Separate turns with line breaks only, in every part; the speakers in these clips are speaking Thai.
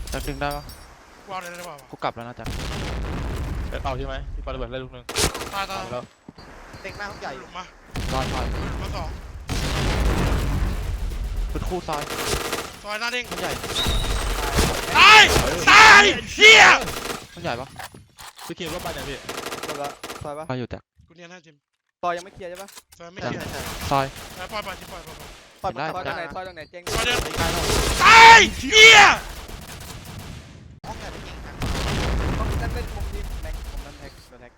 จะดึงได้ปะ
วางเลยได้ป่าว
กูกลับแล้วนะจ๊ะ
เอาใช่ไหมที่ปาระเบิดได้ลูกนึง
ตาย
แล้ว
เต็งหน้าห้องใหญ่
หลุมมา
ซอย
มาสอง
เป็นคู่ซอย
หน้าเด้ง
มันใหญ่
ตายเฮีย
มันใหญ่ปะ
พี่คิมว่าไปไหนพี่
จบละซอยปะ
ซอยอยู่แตก
กูเนี่ยน่าจิม
ซอยยังไม่เคลียร์ใช่ปะ
ซอยไม่เคลียร์
ซอย
ปล่อยจิมปล่อย
ซอยตรงไหนซอยตรงไหนเจ๊ง
ซอยเดิน
ใกล้แล้ว
ตายเฮีย
ห้องใหญ่ไม่เก่งนะห้องนั้นเป็นมุมที่แม็กมุมนั้นแท็กโดนแท็ก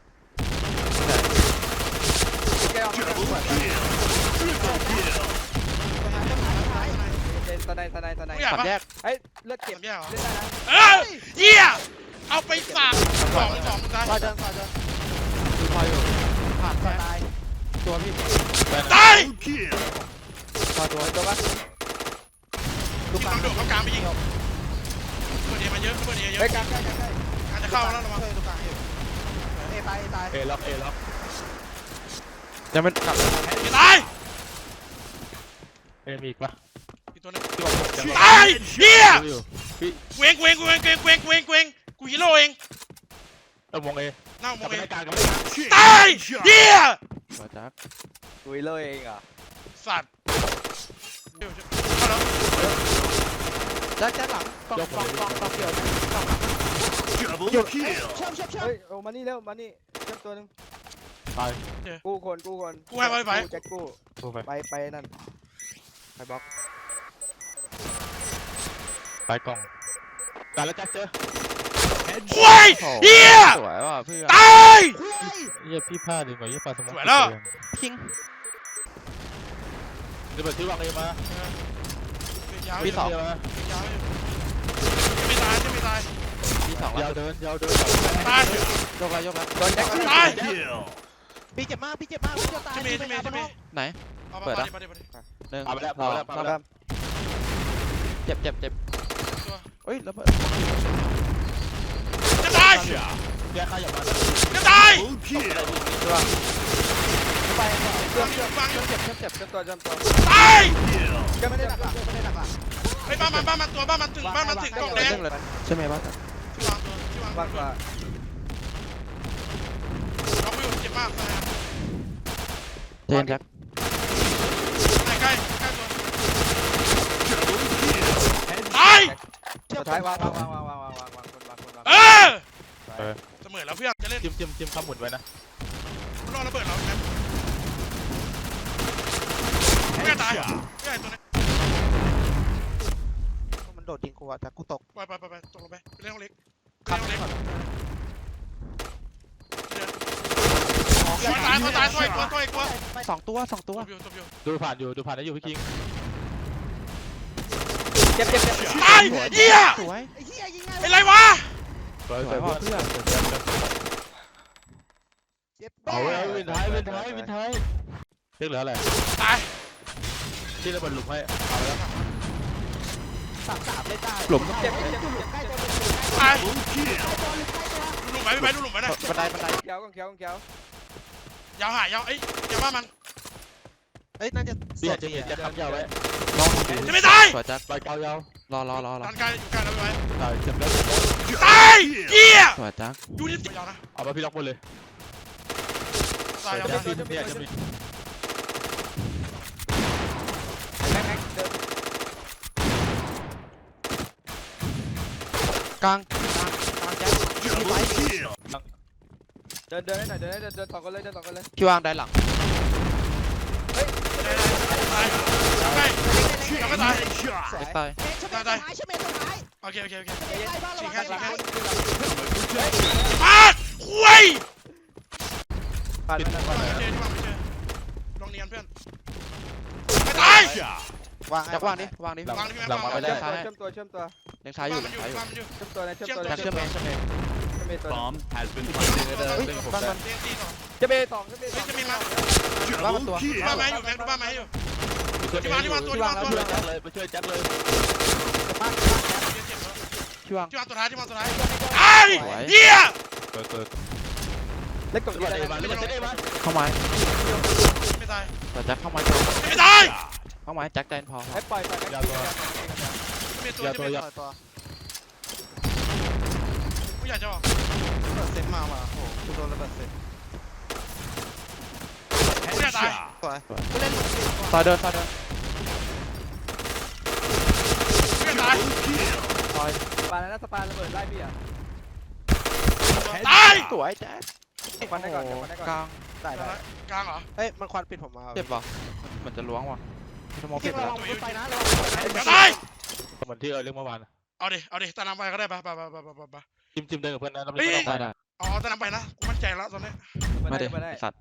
แกเอาตะไน
ขับ
แยก
เฮ้ยเลือดเก็บ
แยกเหรอ
เลือดได้นะ
เฮียเอาไปฝากสองตาย
ซอยเดิน
คือซอยอยู่ผ่าน
ซอยตาย
ตัวพี่
ตาย
ซอยตัว
ปะ
ลูกกลางโดดเข้ากลางไปยิงเปิดเอมาเยอะ
เฮ้ยกลางใกล้
อาจจะเข้าแล้วระวัง
ลูกกลางอยู่ตาย
เอล็อก
ยังไม่กลับ
ตาย
มีอีกปะ
อีกตัวนึง
ที่บอก
ตายเฮียเวงกูฮีโร่เอง
มองเอ
น่ามองเอง
ต
ายเฮีย
ซอยจัก
คุยเลยเองอ่ะ
สัตว์
ด้านหลังกองเกี่ยวเฮ้ยโอ้มานี่เร็วมานี่เชื่อมตัวนึง
ตาย
กู้คน
กูให้ไป
แจ็คกู้ไปนั่นไปบล็อก
ไปกล่องตายแล้วแจ็คเจอ
โอ้ยเฮีย
สวยว่ะเพื่อน
ตาย
เฮียพี่พลาดดีกว่าเฮียปลาสมอง
สวยแล้ว
พิง
จะเปิดที่วางเอมา
ปีสอง
ไม่ตาย
ปีสอง
ยาวเดิน
ตาย
ยกแล้ว
ตาย
พี่เจ็บมากพี่ตาย
ไหนเปิดนะหนึ่ง
เอาไปแล้ว
เจ็บเฮ้ยแล้ว
จะตาย
แยกข้าอย่ามา
จะตาย
ตัว
ไปเจ็บตัว
ตาย
จะไม่ได้หนัก
ไอ้บ้านมันตัวบ้านมันถึงกล่องแดง
ใช่ไหมบ้าน
ที่วาง
บ้านว่า
เราไม่อยู่เจ็บมากเลย
เจนแจ็ค
ใกล้ตาย
สุดท้ายวางคน
เสมอแล้วเพื่อนจะเล่น
จิ้มข้ามหมุนไว้นะ
รอระเบิดเราไหมไม่ตายไม่ตัวนี้
มันโดดยิงกูอ่ะแต่กูตก
ไปตกลงไปเล่นห้องเล็กตายถอยกลัว
สองตัว
ดูผ่านได้อยู่พี่คิง
เจ็บ
ตายเหี้ย
สวย
เป็นไรวะ
สวยเพื่อนเอาวินท้ายเรียกเหลืออะไร
ตาย
ที่ระเบิดหลุมให้เอาแล้ว
3เลยได้
หลุม
เจ็บ
ตายดูหลุมไปดูหลุมไปนะ
บันได
เขียวย
าวหายยาวยาวว่ามัน
น่าจะ
เสียจะขับยาวไว้
จะไม่ตาย
สวยจัด
ไปเกายาว
รอ
ดันไกลอยู่ไกลแล้วไป
ตายเจ็บแล้ว
ตายเหี้ย
สวยจัด
ดูนี่ยาวนะ
เอาไปพี่ล็อกหมดเลย
ตายยาว
จะมี
กลาง
แจ็คเดินให้หน่อยเดินต่อกันเลย
พี่วางได้หลัง
เฮ้ยตายใกล้ยังไม่ตาย
ตาย
โอเคฉีกแค่
มา
คุย
ผ่าน
ไม่เจอลองเนียนเพื่อนไม่ตายว
างดิ
หลังมาไปแล้ว
เชื่อมตัว
ยังซ้ายอยู่
เชื่อมตัวเชื่อมตัว
Bomb has been planted
จะเบสอง
จะมีมา
บ้านตัว
บ้านไม้อยู่แม็กดูบ้านไม้อยู่ที่วางตัว
ไปช่วยแจ็คเลย
ที่วาง
ตัวท้ายไอ้เหี้ย
เปิด
เล็กกว่านี้
เข้าไม้
ไม่ตาย
แต่แจ็คเข้าไม้
ไม่ตาย
เข้าไม้แจ็คแดนพอ
ให้ปล่อย
ยาวตัว
อยากจะบอก
ระเบิดเซตมาว่ะโอ้โหกูโดนระเบิดเซต
กูอยากตาย
สวยกูเล่นลูกศิษย์ว่ะ
ซอยเดินซอยเดิน
กูอยากตาย
ซอย
ปาแล้วสปาระเบิดไล่พี่อ่ะ
ตาย
สวยแจ๊ค
ควันได้ก่อนควันได้ก่อน
กลาง
ได้ได้
กลางเหรอ
เอ้ยมันควันปิดผมมา
เจ็บปะเหมือนจะล้วงว่ะสมอง
พี่
เจ็บ
ระ
แล้ว
วังรถไฟนะระวังรถไฟ
อยากตาย
เหมือนที่เรื่องเมื่อวาน
เอาดิตามน้ำไปก็ได้ไป
จิ้มเดินกับเพื่อนนะแล้ว
เฮ้ย
ได้ได้
อ๋อตามน้ำไปนะกูมั่นใจแล้วตอนนี้
ไม่ได้
ไม่ได้
ไอ้สัตว์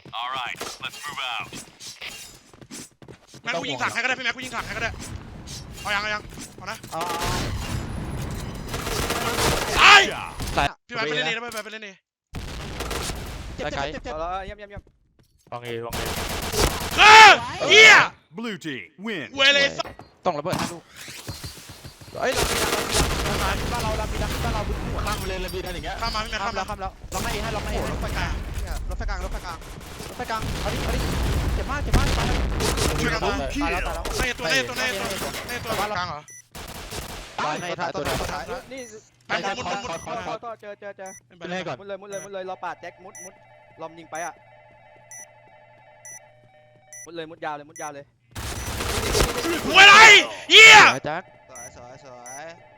แม็กกูยิงถังให้ก็ได้พี่แม็กกูยิงถังให้ก็ได้เอายังเอานะ
อ๋อ
ตาย
สาย
พี่แม็กไปเล่นนี่ไปเล่นนี่
เจ็บเจ็บเจ็บเจ็บ
เอาแล้วเยี่ยม
วางเอ
เฮีย
Blue team win.
เวเลย
ต้องระเบิดให้ลูก
เอ้ยเรามีดักบ้านเราบึ้งหัว
ข้ามไปเลยเลยมีได้อย่างเงี้ย
ข้ามมาพี่แม็ก
ข้า
ข้าม ม
แล้ว
แล้ว
ข้ามแล้วเราไม่ให้เราไม่ให้รถไฟกลางรถไฟกลางเอาดิเจ็บมากตายแล้ว
ช่วยกัน
ตายแล้ว
ในตัวกลางเหรอ
ตายในท้ายตัวเดียว
ท้าย
ๆนี่
ไปมุด
ต่อเจอ
ไปเล่นก่อน
มุดเลยรอปาดแจ็คมุดลอมยิงไปอ่ะมุดยาวเลย
หวยไรเฮีย
สวยแจ็ค
สวย